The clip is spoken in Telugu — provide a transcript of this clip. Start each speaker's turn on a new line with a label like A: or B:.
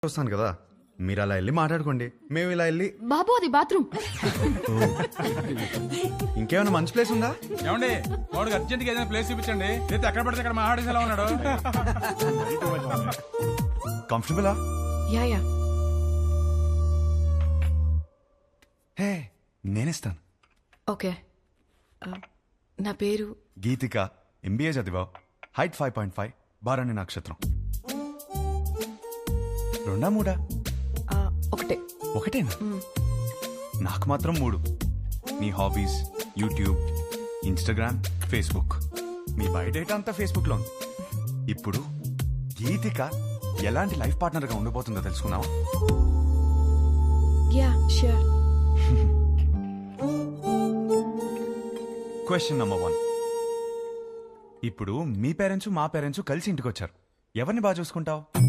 A: వస్తాను కదా, మీరు అలా వెళ్ళి మాట్లాడుకోండి, మేము ఇలా వెళ్ళి.
B: బాబు అది బాత్రూమ్.
A: ఇంకేమైనా మంచి ప్లేస్ ఉందా?
C: ఏమండి వాడికి అర్జెంట్ గా ఏదైనా ప్లేస్ చూపించండి, లేదా ఎక్కడ పడితే అక్కడ మహాడేస్ ఎలా ఉన్నాడు.
A: కంఫర్టబులా?
B: Yeah yeah.
A: హే, నేనిస్తాను.
B: ఓకే. నా పేరు
A: గీతిక, ఎంబీఏ చదివావు, హైట్ 5.5, బారాణి నక్షత్రం. రెండా మూడా?
B: ఒకటే.
A: ఒకటేనా? నాకు మాత్రం 3. నీ హాబీస్ యూట్యూబ్, ఇన్స్టాగ్రామ్, ఫేస్బుక్. మీ బయోడేటా అంతా ఫేస్బుక్ లో ఉంది. ఇప్పుడు గీతిక ఎలాంటి లైఫ్ పార్ట్నర్ గా ఉండబోతుందో తెలుసుకున్నావా?
B: Yeah sure.
A: Question number 1. ఇప్పుడు మీ పేరెంట్స్ మా పేరెంట్స్ కలిసి ఇంటికి వచ్చారు, ఎవరిని బాగా చూసుకుంటావు?